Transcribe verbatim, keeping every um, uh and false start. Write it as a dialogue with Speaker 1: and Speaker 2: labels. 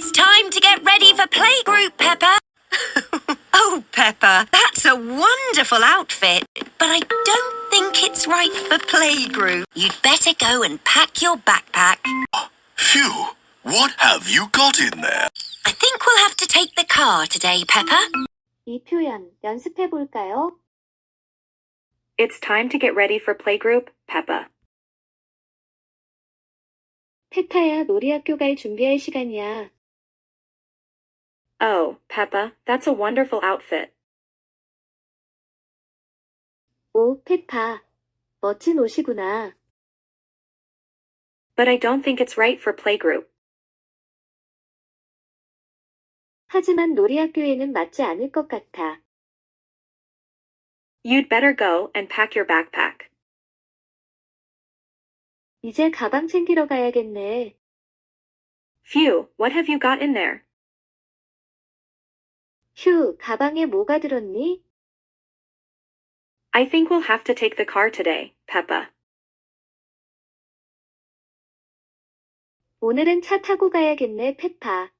Speaker 1: It's time to get ready for playgroup, Peppa. Oh, Peppa, that's a wonderful outfit, but I don't think it's right for playgroup. You'd better go and pack your backpack.
Speaker 2: Phew! What have you got in there?
Speaker 1: I think we'll have to take the car today, Peppa.
Speaker 3: 이 표현 연습해 볼까요?
Speaker 4: It's time to get ready for playgroup, Peppa.
Speaker 3: 페파야, 놀이학교 갈 준비할 시간이야.
Speaker 4: Oh, Peppa, that's a wonderful outfit.
Speaker 3: 오, 페파. 멋진 옷이구나.
Speaker 4: But I don't think it's right for playgroup.
Speaker 3: 하지만 놀이학교에는 맞지 않을 것 같아.
Speaker 4: You'd better go and pack your backpack.
Speaker 3: 이제 가방 챙기러 가야겠네.
Speaker 4: Phew, what have you got in there?
Speaker 3: 휴, 가방에 뭐가 들었니?
Speaker 4: I think we'll have to take the car today, Peppa.
Speaker 3: 오늘은 차 타고 가야겠네, 페파.